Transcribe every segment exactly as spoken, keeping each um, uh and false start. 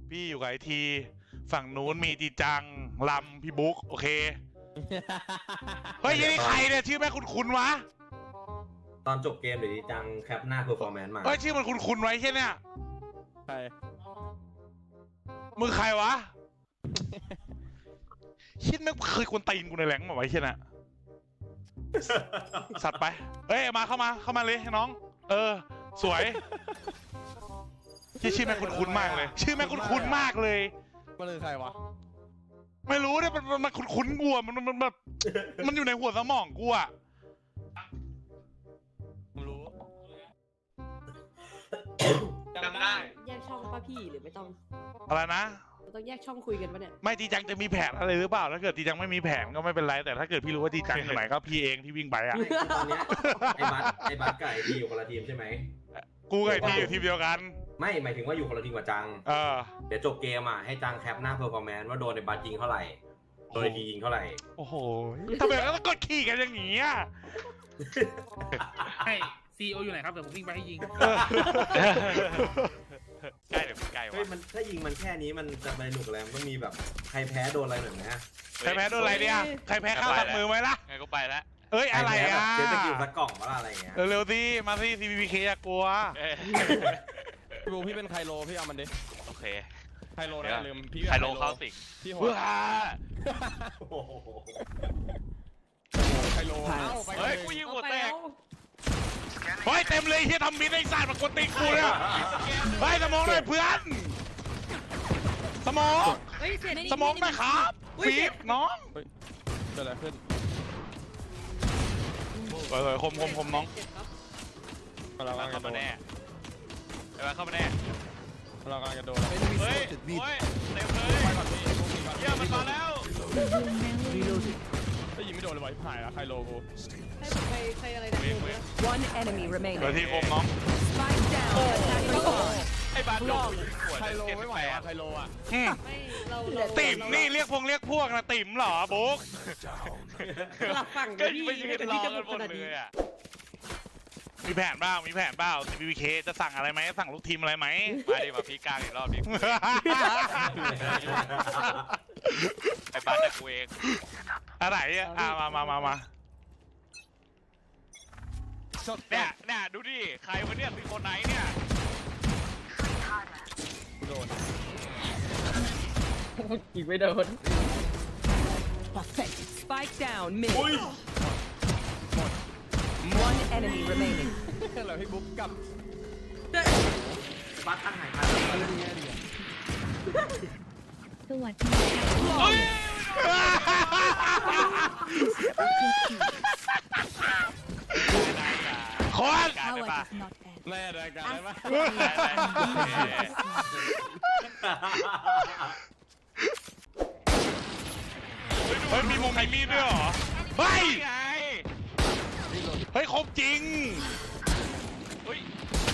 พี่อยู่กับไอทีฝั่งนู้นมีจีจังลำพี่บุ๊กโอเคเฮ้ยยังนี่ใครเนี่ยชื่อแม่คุ้นๆวะตอนจบเกมเดี๋ยวดีจังแคปหน้าเพอร์ฟอร์แมนซ์มาเฮ้ยชื่อมันคุ้นๆไว้ใช่เนี่ยใครมึงใครวะชิดไม่เคยกวนตีนกูในแหลงมาไว้ใช่น่ะสัตว์ไปเฮ้ยมาเข้ามาเข้ามาเลยน้องเออสวยชื่อชื่อแม่คุ้นๆมากเลยชื่อแม่คุ้นๆมากเลยมันคือใครวะไม่รู้เนี่ยมันมันคุ้นๆกูอ่ะมันมันแบบมันอยู่ในหัวสมองกูอ่ะมึงรู้จำได้แยกช่องป่ะพี่หรือไม่ต้องอะไรนะต้องแยกช่องคุยกันปะเนี่ยไม่จีจังจะมีแผนอะไรหรือเปล่าถ้าเกิดจีจังไม่มีแผนก็ไม่เป็นไรแต่ถ้าเกิดพี่รู้ว่าจีจังอยู่ไหนก็พี่เองที่วิ่งไปอ่ะตอนเนี้ยไอ้บัสไอ้บัสกับไอ้ทีอยู่คนละทีมใช่ไหมกูกับไอ้ทีอยู่ทีมเดียวกันไม่หมายถึงว่าอยู่คนละทีมกับจังเออเดี๋ยวจบเกมอ่ะให้จังแคปหน้าเพอร์ฟอร์แมนซ์ว่าโดนไอ้บัสยิงเท่าไหร่โดนไอ้ทียิงเท่าไหร่โอ้โหทำไมต้องกดขี่กันอย่างนี้อ่ะให้ซีโออยู่ไหนครับเดี๋ยวผมวิ่งไปให้ยิงใกล้เดี๋ยวใกล้วะเฮ้ยมันถ้ายิงมันแค่นี้มันจะไปหนุกอะไรมันต้องมีแบบใครแพ้โดนอะไรหน่อยไหมใครแพ้โดนอะไรเนี่ยใครแพ้ข้าวตัดมือไหมล่ะไงก็ไปแล้วเอ้ยอะไรอ่ะเจ๊ตะกิ้วสักกล่องว่าอะไรเงี้ยเร็วๆสิมาสิซีบีเคอะกลัวพี่บูพี่เป็นไคโลพี่เอามันดิโอเคไคโลนะลืมพี่ไคโลเข้าสิงพี่หัวไคโลเฮ้ยกูยิงหัวแตกเฮ้ยเต็มเลยที่ทำมิดไอ้สัตว์มากดตีกูเนี่ยเฮ้ยสมองเลยเพื่อนสมองสมองไหมครับฟีบน้องเกิดอะไรขึ้นเออคมคมคมน้องเรากำลังเข้ามาแน่เออเข้ามาแน่เรากำลังจะโดนเฮ้ยเฮ้ยเต็มเลยเยี่ยมมันมาแล้วได้ยิงไม่โดนเลยว่ะหายแล้วไคโลกูใครใครอะไรนะ One enemy remaining เดี๋ยวที่คมน้อง Spike down ไอ้บาสโดนไคโลไม่ไหวอ่ะไคโลอ่ะติ๋มนี่เรียกพงเรียกพวกนะติ๋มเหรอบุ๊กหลับฝั่งก็พี่ไปยืนรอกันหมดเลยอ่ะมีแผนบ้างมีแผนบ้างซีบีเคจะสั่งอะไรไหมสั่งลูกทีมอะไรไหมมาดิมาพี่กลางอีกรอบดิไอ้บาสแต่กูเองอะไรอ่ะมามามามาเนี่ยเนี่ยดูดิใครวะเนี่ยเป็นคนไหนเนี่ยโดนยิงไม่โดน Spike down mid One enemy remaining เหรอพี่บุ๊กกับบัสตั้งหายไปสวัสดีคนแม่รายการได้ปะเฮ้ยมีมงมีมีดด้วยเหรอเฮ้ยเฮ้ยครบจริงเฮ้ย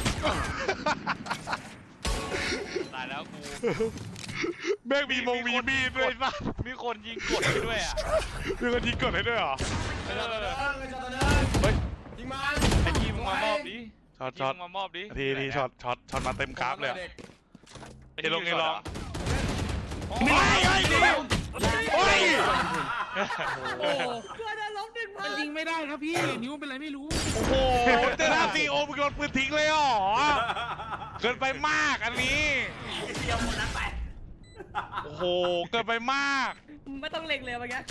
ตายแล้วกูแม่งมีมงมีมีดด้วยป่ะมีคนยิงกดให้ด้วยอ่ะมีคนยิงกดให้ด้วยเหรอเฮ้ยยิงมาไอ้ทีมมามอบดิช็อตช็อตมามอบดิทีทีช็อตช็อตช็อตมาเต็มกราฟเลยเอลงเอลองไม่เฮ้ยเฮ้ยโอ้เพื่อนล้มหนึ่งพันยิงไม่ได้ครับพี่นิ้วเป็นไรไม่รู้โอ้โหเจอหน้าซีโอมึงโดนปืนทิ้งเลยหรอเกินไปมากอันนี้เดียวหมดแล้วไปโอ้โหเกินไปมากไม่ต้องเล็งเลยเมื่อกี้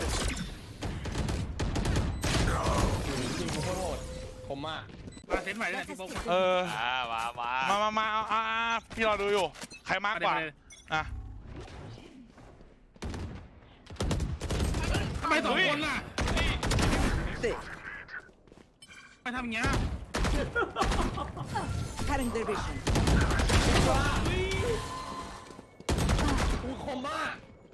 ยิงโคตรโหดผมมากมาเซนใหม่เลยพี่บุ๊กเออมามามามามาอ่าพี่รอดูอยู่ใครมากกว่าอ่ะทำไมสองคนล่ะไปทำอย่างเงี้ย Cutting their vision กูคมมาก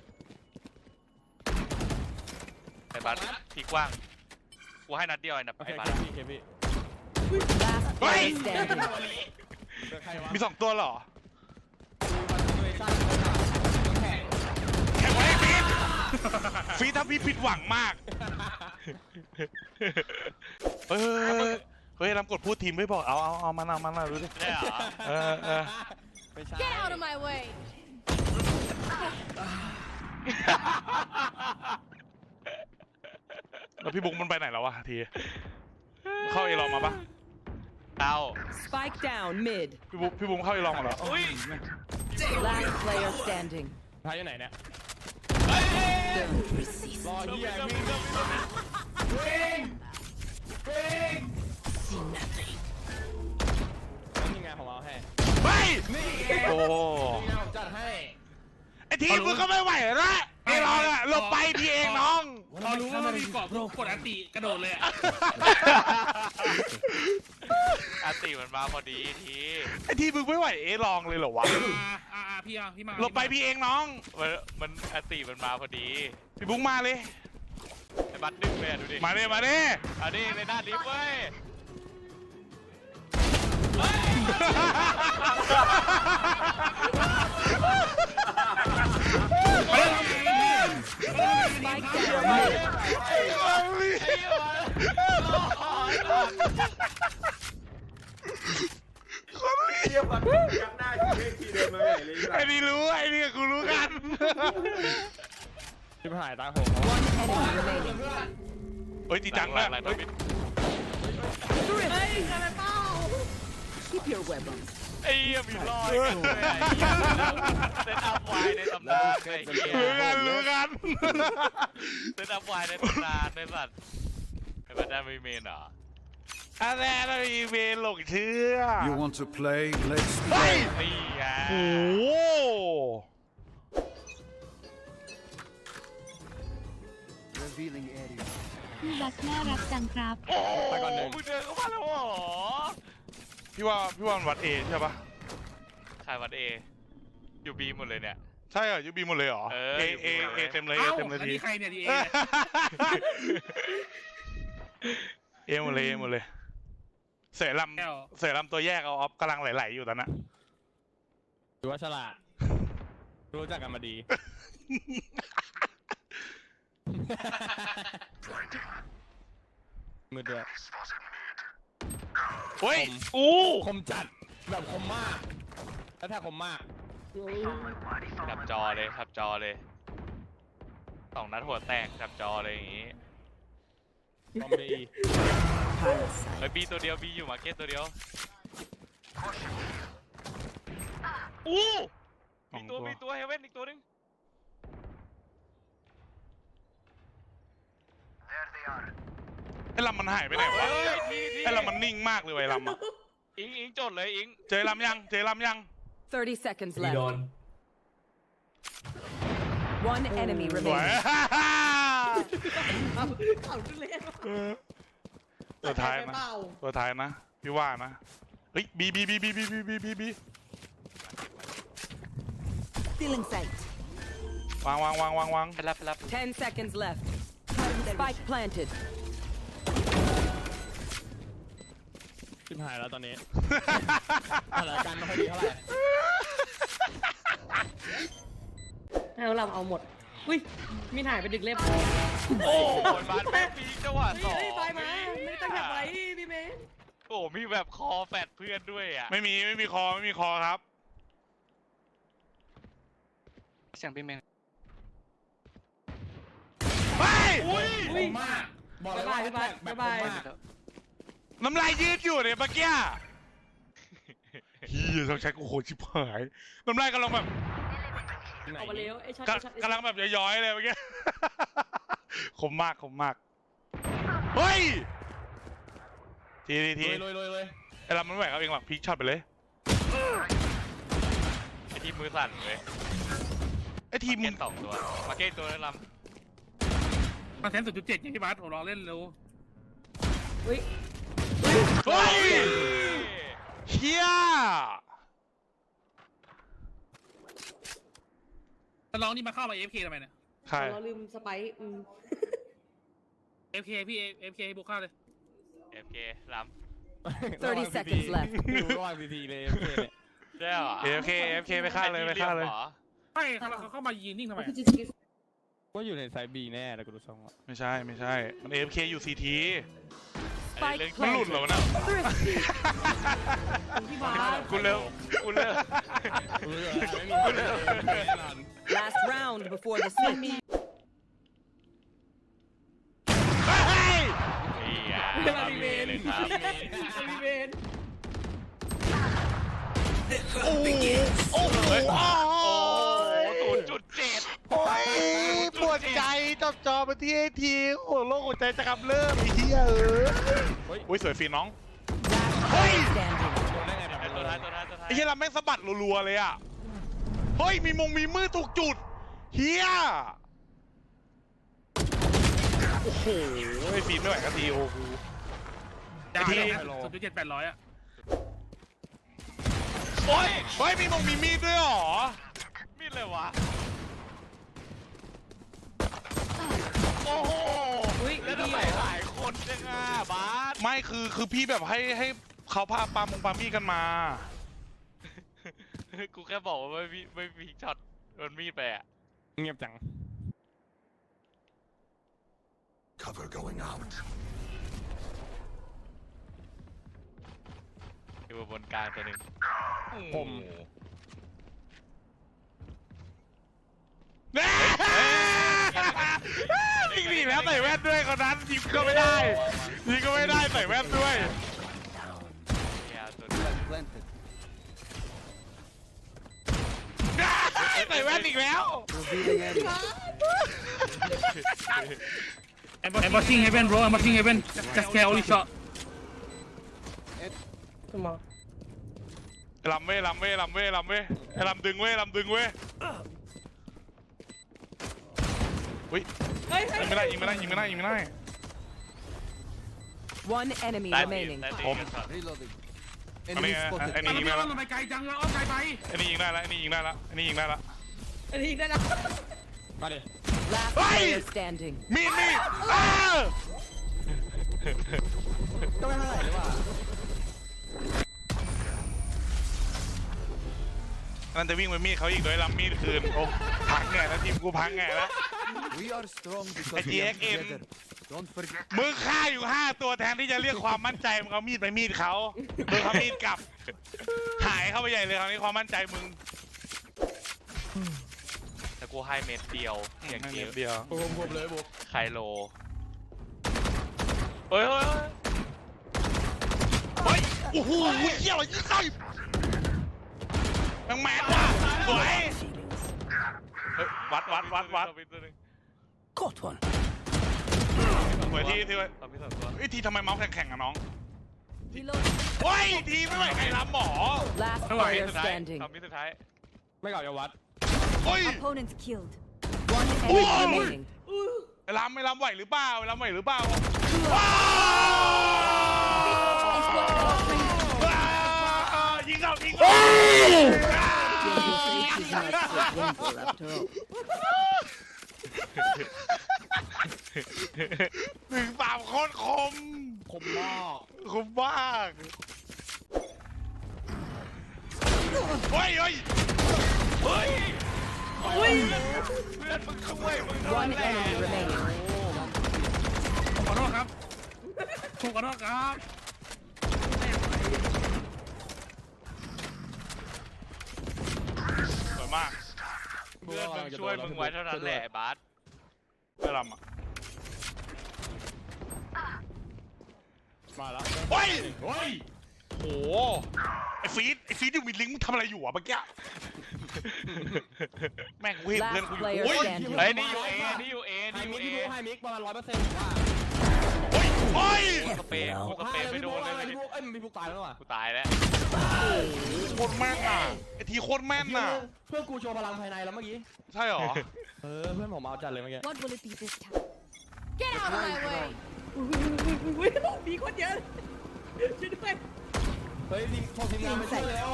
ไอ้บาสทีกว้างกูให้นัดเดียวไอ้นับไอ้บาสพี่เคพี่มีสองตัวเหรอแข่งไว้ฟีดฟีดถ้าพี่ผิดหวังมากเฮ้ยเฮ้ยลำกดพูดทีมไม่บอกเอาเอาเอามาหน้ามาหน้าดูดิได้เหรอเออเออ Get out of my way แล้วพี่บุ๊กมันไปไหนแล้ววะทีเข้าเอลองมาปะเอา Spike down mid. พี่บุ๊กพี่บุ๊กเข้าเอลองมาเหรออุ้ย Last player standing. ท้ายอยู่ไหนเนี่ย Don't resist. รอเฮียวิ่ง See nothing. นี่ไงผมเอาให้ไปนี่ไงโอ้นี่ไงผมจัดให้ไอทีมึงก็ไม่ไหวแล้วเอลองอะหลบไปพี่เองน้องพอรู้ว่ามันมีเกาะกดอันติกระโดดเลยอะอาติมันมาพอดีทีไอทีมึงไม่ไหวเอลองเลยเหรอวะอ่าอ่าอ่าพี่เอาพี่มาหลบไปพี่เองน้องมันมันอาติมันมาพอดีพี่บุ๊กมาเลยไอ้บัตรดึงเลยอะดูดิมาเลยมาเลยอันนี้ในหน้าดิฟเว้ย Spike down mid. เทียบกันยักหน้าทีเวทีเดินมาใหญ่เลยไอ้นี่รู้ไอ้นี่กูรู้กันชิบหายตาโหง One enemy remaining. เฮ้ยจริงจังหลันะงหลังเฮ้ยบิดเฮ้ยอะไรเปล่า Keep your weapons. ไอ้เหี้ยมีรอยกันด้วยไอ้เหี้ยเซตอัพไวในตำนานไอ้เหี้ยรู้กันรู้กันเซตอัพไวในตำนานในสัตว์ไอ้บัตรได้ไม่เมนเหรออะไรนะอีเมลหลงเชื่อ You want to play? Let's เฮ้ย play. นี่ไงโอ้โห Revealing area. พี่บักน่ารักจังครับโอ้โหมึงเดินเข้ามาแล้วเหรอพี่ว่าพี่ว่ามันวัดเอใช่ปะใครวัดเออยู่บีหมดเลยเนี่ยใช่เหรอยูบีหมดเลยเหรอเออเออยู่เอหมดเลยเอเต็มเลยเอ้าเต็มเลยอันทีนี้ใครเนี่ยดีเอเอหมดเลยเอหมดเลยเสยลำเสยลำตัวแยกเอาออฟกำลังไหลๆอยู่ตอนนั้นถือว่าฉลาด รู้จักกันมาดี มือเดือดเฮ้ยผมอู้คมจัด แบบคมมาก แล้วถ้าคมมากจับจอเลยจับจอเลยสองนัดหัวแตกจับจอเลยอย่างงี้คอมดีเฮ้ยบีตัวเดียวบีอยู่มาร์เก็ตตัวเดียวอู้มีตัวมีตัวเฮเว่นอีกตัวนึงไอ้ลำมันหายไปไหนวะเฮ้ยทีทีไอ้ลำมันนิ่งมากเลยไอ้ลำอะอิงอิงจดเลยอิงเจอลำยังเจอลำยัง Thirty seconds มีโดน left. One enemy สวย remaining. เอาเอาขึ้นเลยตัวท้ายไปนะเปล่าตัวท้ายนะพี่ว่านะเฮ้ยบีบีบีบีบีบีบีบีบี Stealing sight. วางวางวางวางวางไปรับไปรับ Ten seconds left. Spike planted. ชิบหายแล้วตอนนี้ สถานการณ์ไม่ค่อยดีเท่าไหร่ให้เราเอาหมด อุ้ย มีถ่ายไปดึกเล่มโอ้โหบานแม่งมีจังหวะสองเฮ้ยไปมา ไม่ได้ตั้งใจไว้พี่เมย์โอ้มีแบบคอแฟดเพื่อนด้วยอ่ะไม่มีไม่มีคอไม่มีคอครับเสียงพี่เมงเฮ้ยคมมาก บอกเลยบ๊ายว่าบายพี่บายแบบบ๊ายคบาม ยมากน้ำลายยืดอยู่เนี่ยเมื่อกี้เฮียต้องใช้กูโคตรชิบหายน้ำลายกำลังแบบที่ไหนออกมาเร็วไอ้ชัดกำกำลังแบบย้อยๆเลยเมื่อกี้ คมมากคมมากเฮ้ยทีทีทีเลยเลยเลยไอ้ลำมันไม่ไหวครับเองหรอกพีคช็อตไปเลยไอทีมมือสั่นเลยไอ้ทีมเก็มึตงสองตัวมาเก็ตตัวนั้นลมาแทนสุดจุดเจ็ดอย่างที่บัสผมรอเล่นเร็วอุ้ยเฮ้ยำเฮียแต่น้องนี่มาเข้ามา เอฟ เค ทำไมเนี่ยใครเราลืมสไปซ์อืมเอฟ เค พี่ เอฟ เค บุกเข้าเลยเอฟเคล้ Thirty seconds left. อยู่ระหว่างทีทีเลยโอเคเนี่ยำได้เหรอเอฟเคเอฟเคไปฆ่าเลยไปฆ่าเลยไม่เขาเขาเข้ามายืนนิ่งทำไมคือจะคิดว่าอยู่ในไซบีแน่แต่กูดูทรงอ่ะไม่ใช่ไม่ใช่มันเอฟเคอยู่ซีที Spike มันหลุด planted. เหรอวะน่ะ Thrifty. ที่บาสกูเลิกกูเลิกกูรู้อยู่แล้วไม่มีคนเลยแน่นอน Last Last round before the switch. เฮ้ยนี่อ่ะมามีเวนเลยครับมามีเวนโอ้โหโอ้โหโอ้ศูนย์จุดเจ็ดโอ้ยปวดใจจับจอมาที่ไอทีโอ้โหโลกหัวใจจะกำเริบไอ้เหี้ยเอออุ้ยสวยฟีนน้อง Last Hey! player standing. โดนได้ไงแบบไอ้ตัวท้ายตัวท้ายตัวท้ายไอ้เหี้ยเราแม่งสะบัดรัวๆเลยอ่ะเฮ้ยมีมงมีมือถูกจุดเฮียโอ้โหไอ้ฟีนไม่ไหวกันทีโอ้โห ไอ้ที่ศูนย์จุดเจ็ดแปดร้อยอะโอ้ยเฮ้ยมีมงมีมีดด้วยเหรอมีดเลยวะโอ้โหอุ้ยแล้วดีทำไมเหรอหลายคนจังอ่ะบาสไม่คือคือพี่แบบให้ให้เขาพาปามงปามีดกันมากูแค่บอกว่าไม่มีไม่มีช็อตโดนมีดไปอ่ะเงียบจัง Cover going out. อยู่บนกลางตัวหนึ่งผมแน่ยิงหนีแล้วใส่แว่นด้วยคนนั้นยิงก็ไม่ได้ยิงก็ไม่ได้ใส่แว่นด้วยเนี่ยตัวนี้ Planted. ใส่แว่นอีกแล้ว Revealing area. I'm watching heaven bro I'm watching heaven just care only shot ขึ้นมาลำเว้ยลำเว้ยลำเว้ยลำเว้ยไอ้ลำดึงเว้ยลำดึงเว้ยอุ้ยเฮ้ยเฮ้ยยิงไม่ได้ยิงไม่ได้ยิงไม่ได้ยิงไม่ได้ One enemy ใต้ตีน remaining. ใต้ตีผมนช็อต Reloading. อันนี้ Enemy ไอ้ spotted. นี่ยิงได้อ้อแล้วมไปไกลจังเลยอ้อมไกลไปไอ้นี่ยิงได้แล้วไอ้นี่ยิงได้แล้วไอ้นี่ยิงได้แล้วอันนี้ได้แล้วมาดิ Last Hey! player standing. มีดมีดอ้าก็ไม่เท่าไหร่เลยว่ะนั่นจะวิ่งไปมีดเขาอีกโดยลำมีดคืนโอ้พังแง่แล้วทีมกูพังแง่แล้ว We are strong because Hey, we are T X M. together. Don't forget. มึงฆ่าอยู่ห้าตัวแทนที่จะเรียกความมั่นใจมึงเอามีดไปมีดเขาโดนเขามีดกลับ หายเข้าไปใหญ่เลยคราวนี้ความมั่นใจมึงแต่กูให้เม็ดเดียวอย่างไม่เดีเม็ยวดเดียวบุกบุกเลยบุกไคโลเฮ้ยเฮ้ยเฮ้ยเฮ้ย โอ้โหเหี้ยอะไรยี่ไส้แมงแมนว่ะสวยเฮ้ยวัดวัดวัดวัด Caught one. สวยที่ที่ไว้ตอนพี่สองตัวเฮ้ยทีทำไมเมาส์แข็งๆอะน้อง Reload. เฮ้ยทีไม่ไหวใครรับหมอ Last ไม่ไหว player สุดท้าย standing. ตอนพี่สุดท้ายไม่เก่าจะวัดเฮ้ย Opponents killed. One Oh! enemy remaining. ไอ้ลำไอ้ลำไหวหรือเปล่าไอ้ลำไหวหรือเปล่าว้าวว้าวยิงเอายิงเอา Your face is not so painful after all. หนึ่งสามโคตรคมคมมากคมมากเฮ้ยเฮ้ยเฮ้ยอุ้ยเพื่อนมึงช่วยมึง One enemy remaining. ผมขอโทษครับผมขอโทษครับสวยมากเพื่อนมึงช่วยมึงไว้เท่านั้นแหละไอ้บาสไอ้ลำอ่ะมาแล้วเฮ้ยเฮ้ยโอ้โหไอ้ฟีดไอ้ฟีดอยู่มีลิงก์มึงทำอะไรอยู่อ่ะเมื่อกี้แม่งกูเห็นเพื่อน Last กูอยู่ player โอ้ย standing. เฮ้ยนี่อยู่เอนี่อยู่เอไฮนี่อยู่มิกเอพี่บุ๊กไฮมิกประมาณร้อยเปอร์เซ็นต์ว่าเฮ้ยเฮ้ยสเปรย์กูสเปรย์ไม่โดนเลยพี่บุ๊กเอ้ยพี่บุ๊กตายแล้วว่ะกูตายแล้วโคตรแม่นอ่ะไอ้ทีโคตรแม่นอ่ะเพื่อนกูโชว์พลังภายในแล้วเมื่อกี้ใช่เหรอเออเพื่อนผมเอาจัดเลยเมื่อกี้ What will it be this time Get out of my way อุ้ยมีคนเยอะช่วยด้วยเฮ้ยทีมโทรทีมงานไปช่วยแล้ว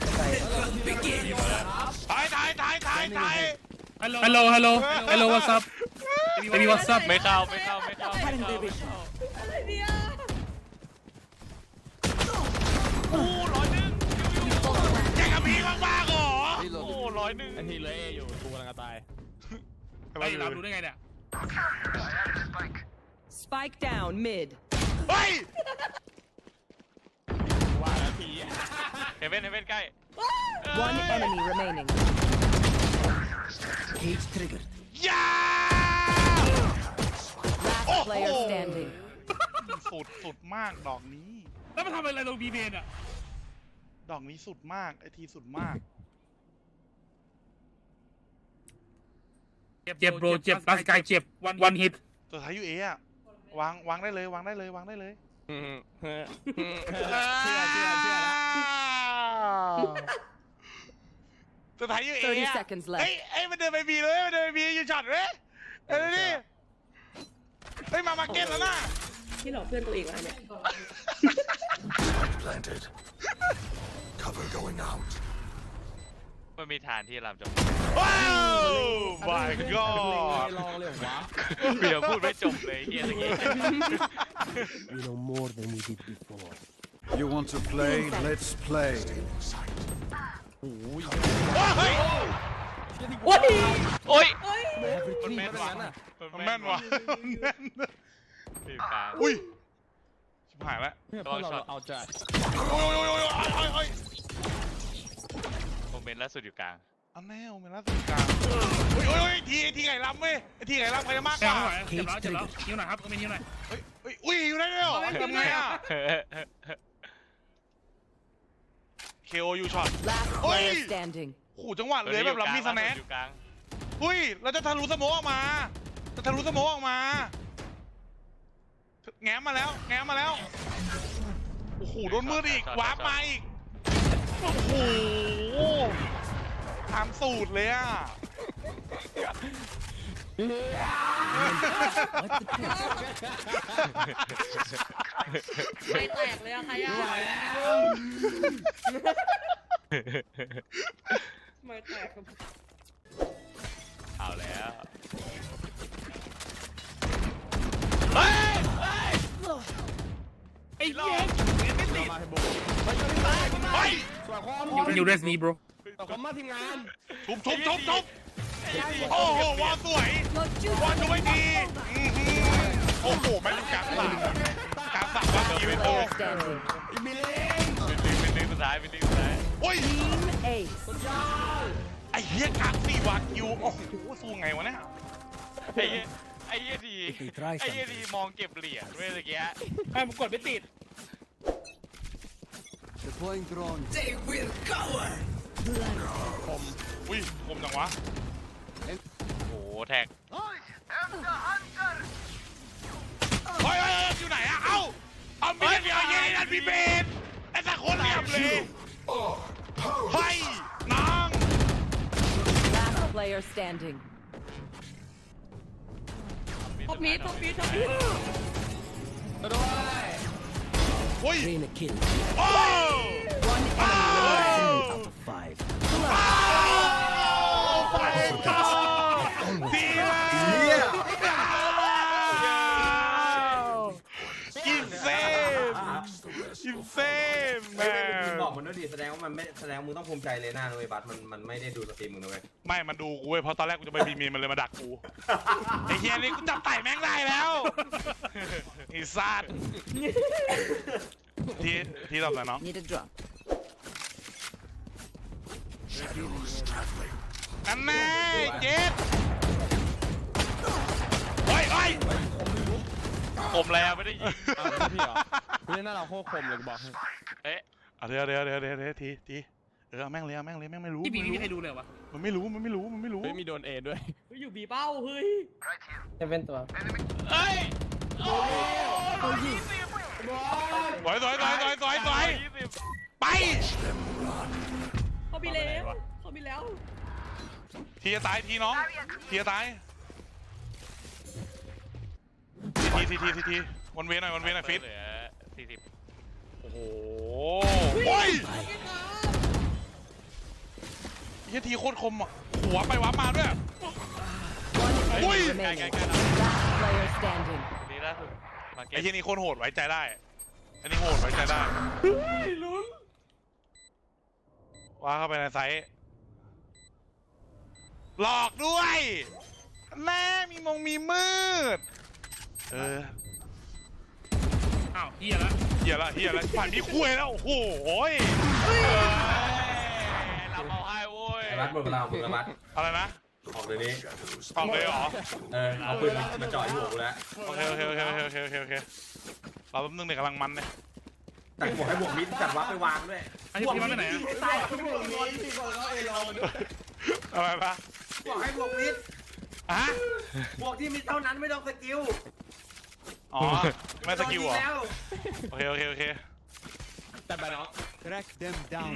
ถ่ายถ่ายถ่ายถ่ายถ่าย Hello hello hello what's up baby what's up ไม่เข้าไม่เข้าไม่เข้าไม่เข้าไม่เข้าอะไรเนี่ยโอ้ร้อยหนึ่งแย่งกับพี่มากๆเหรอโอ้ Reloading. ร้อยหนึ่งไอทีเหลยอยู่กูกำลังจะตายไอ้เราดูได้ไงเนี่ย Spike down mid. เฮ้ยว่าแล้วทีเฮเว่นเฮเว่นใกล้ One enemy remaining. Cage triggered. ยา Last player standing. สุดสุดมากดอกนี้แล้วมันทำอะไรลงบีเบนอ่ะดอกนี้สุดมากไอทีสุดมากเจ็บโบรเจ็บร่างกายเจ็บวันวันฮิตตัวท้ายยูเอะวางวางได้เลยวางได้เลยวางได้เลยเชื่อเชื่อเชื่อแล้วตัวท้ายยูเอะ thirty seconds เฮ้ย left. เอ้ยมันเดินไปบีเลยมันเดินไปบีอยู่ช็อตเว้ยเอ้ยนี่เฮ้ยมามาเก็ตแล้วนะที่หลอกเพื่อนตัวเองวะเนี่ย Planted. Cover going out. มันมีฐานที่ลำจบว้าว my ไม่ god ลองเลยเหรอวะเดี๋ยวพูดไม่จบเลยเฮียตะกี้ We know more than we did before. You want to play? Let's play. เฮ้ยโอ้ยโอ้ย Every มัน team แม่นว่ะมันแม่นว่ะมันแม่นทีมกลางอุ้ยชิบหายแล้วเนี่ยพวกเราเอาจัดโอ้ยโอ้ยโอ้ยโอ้ยโอ้ยโอ้ยโมเมนต์ล่าสุดอยู่กลางอันแน่โอเมล่าสุดกลางโอ้ยโอ้ยโอ้ยทีไอทีไก่ลำเว้ยไอทีไก่ลำใครจะมากกเจ็บว่าหน่อยเจ็บแล้วเจ็บแล้วนิ้วหน่อยครับก็มีนิ้วหน่อยเฮ้ยเฮ้ยอุ้ยอยู่ได้ด้วยเหรอทำไงอ่ะ เค โอ ยูช็อต Last Oi! player standing. ขู่จังหวะเลยแบบลำมีสแน็คอยู่กลางอุ้ยเราจะทะลุสโมกออกมาจะทะลุสโมกออกมาแง้มมาแล้วแง้มมาแล้วโอ้โหโดนมืดอีกวาร์ปมาอีกโอ้โหตามสูตรเลยอ่ะไม่แตกเลยอะใครอะไม่แตกครับเอาแล้วเฮ้ยไอ้เหี้ยไม่ติดมาให้บุกเฮ้ยสวยคอมอยู่เรสนี้ bro ต่อคอมมาทีมงานทุบทุบทุบทุบโอ้โหวอลสวย วอลดูไม่ดีอื้อหือโอ้โหแม่งกลางสามกลางสามว่าทีไม่โต Player standing. มิลลิงเป็นดึงสุดท้ายเป็นดึงสุดท้ายโอ้ย Team Ace. ไอ้เหี้ยกลางสี่วากิวโอ้โหสู้ไงวะเนี่ยไอ้เหี้ยไอ้เหี้ยดีไอ้เหี้ยดีมองเก็บเหรียญเว้ยเมื่อกี้ไอ้ผมกดไม่ติด Deploying drone. อุ้ยคมจังวะโอ้โหแท็กเฮ้ยเฮ้ยเฮ้ยอยู่ไหนอะเอ้าเอามีดเดียวเย็นนั่นพี่เบนไอ้สักคนเหลี่ยมเลยเฮ้ยน้อง Last player standing. ท็อปมีท็อปมีท็อปมีเฮ้ย Train a kill. โอ้ One enemy อ้า remaining. ว Out of five. อ้าวไปต่อดีมากกินเซมกินเซมแมไม่ไม่มึงนบอกมันด้วยดิแสดงว่ามันไม่แสดงมึงต้องภูมิใจเลยนะเว้ยบัสมันมันไม่ได้ดูสตรีมมึงนะเว้ยไม่มันดูกูเว้ยเพราะตอนแรกกูจะไปบีมีมันเลยมาดักกูไอ้เฮียนี่กูจับไต่แม่งได้แล้วไอ้สัตว์ที่ที่ตอบอะไรน้อง Need a drop. อันแน่เจ็ดเฮ้ยเฮ้ยผมแล้วไม่ได้ยิงเอาพี่เหรอพี่เล่นหน้าเราโคตรคมเลยกูบอกให้เอ๊ะเอาเดี๋ยวเดี๋ยวเดี๋ยวเดี๋ยวเดี๋ยวทีทีเออเอาแม่งเลยเอาแม่งเลยแม่งไม่รู้ที่บีมันไม่ไม่มีใครรู้ดูเลยวะมันไม่รู้มันไม่รู้มันไม่รู้เฮ้ยมีโดนเอด้วยเฮ้ยอยู่บีเป้าเฮ้ยเอ้ยโอ้ยสวยสวยสวยสวยสวยสวยยี่สิบไปเขาบีแล้วเขาบีแล้วทีจะตายทีน้องทีจะตายทีทีทีทีทีวันเวหน่อยวันเวหน่อยฟิตเหลือสี่สิบโอ้โหโอ้ยเฮียทีโคตรคมอ่ะหัวไปวับมาด้วย One Ui! enemy remaining. Last player standing. นี่ล่าสุดมาเก็ไอ้ตเฮียนี่โคตรโหดไว้ใจได้อันนี้โหดไว้ใจได้ว่าเข้าไปในไซส์หลอกด้วยแม่มีมงมีมืดเอออ้าวเหี้ยละเฮียละเฮียละผ่านมีคุยแล้วโอ้โหยเราเอาให้โว้ยไอ้บัสหมดเวลาของมึงแล้วบัสอะไรนะออกเดี๋ยวนี้ออกเลยเหรอเออเอาปืนมาจ่อที่หัวกูแล้วโอเคโอเคโอเคโอเคโอเคโอเคโอเคเราแป๊บนึงเนี่ยกำลังมันเนี่ยแต่บอกให้บวกมิดจัดวับไปวางด้วยไอ้ที่มันไปไหนอะตายบวกมิดอะไรปะบอกให้บวกมิดอ่ะบวกที่มิดเท่านั้นไม่ต้องสกิลอ๋อไม่สกิลเหรอแล้วโอเคโอเคโอเคแต่ไปเนาะ Track them down.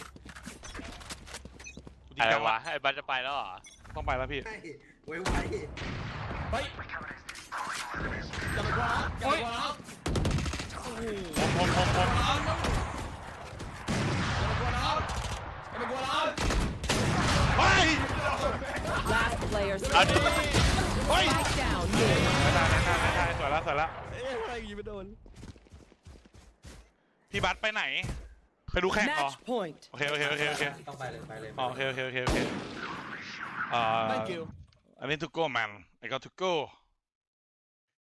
อะไรวะไอ้บัสจะไปแล้วเหรอต้องไปแล้วพี่ไว้ไว้เฮ้ยอย่าไปกลัวนะอย่าไปกลัวนะผมผมผมผมอย่าไปกลัวนะเฮ้ย Last player เอาดิเฮ้ย Spike down. Mid. ไม่ได้ไม่ได้ไม่ได้สวยแล้วสวยแล้วเอ๊ะอะไรยิงไม่โดนพี่บัสไปไหนไปดูแข่งเหรอ Match point. โอเคโอเคโอเคโอเคต้องไปเลยไปเลยอ๋อโอเคโอเคโอเคโอเคอ่า thank you I need to go man I got to go